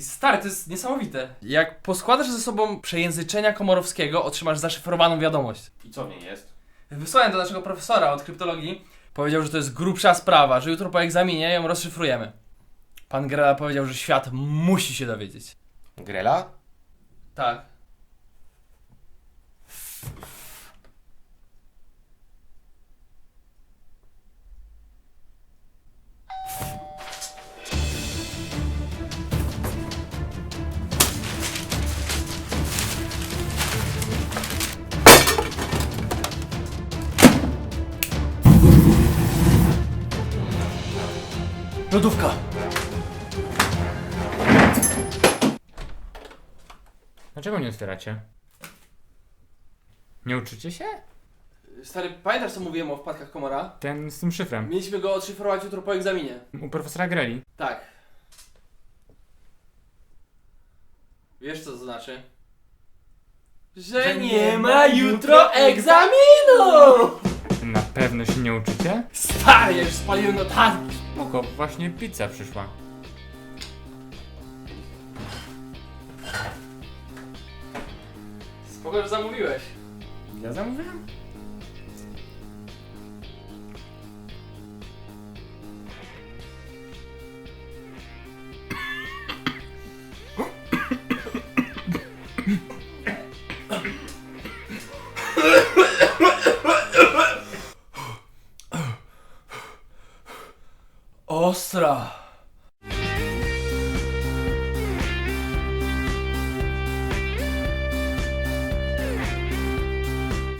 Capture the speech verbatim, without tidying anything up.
I stary, to jest niesamowite. Jak poskładasz ze sobą przejęzyczenia komorowskiego, otrzymasz zaszyfrowaną wiadomość. I co w niej jest? Wysłałem do naszego profesora od kryptologii. Powiedział, że to jest grubsza sprawa, że jutro po egzaminie ją rozszyfrujemy. Pan Grela powiedział, że świat musi się dowiedzieć. Grela? Tak. Lodówka. Dlaczego nie otwieracie? Nie uczycie się? Stary, pamiętasz co mówiłem o wpadkach komora? Ten z tym szyfrem. Mieliśmy go odszyfrować jutro po egzaminie. U profesora Greli. Tak. Wiesz co to znaczy? Że nie ma jutro egzaminu! Na pewno się nie uczycie? Stary, ja już spaliłem notatki. Spoko, właśnie pizza przyszła. Spoko, że zamówiłeś. Ja zamówiłem? Ostra.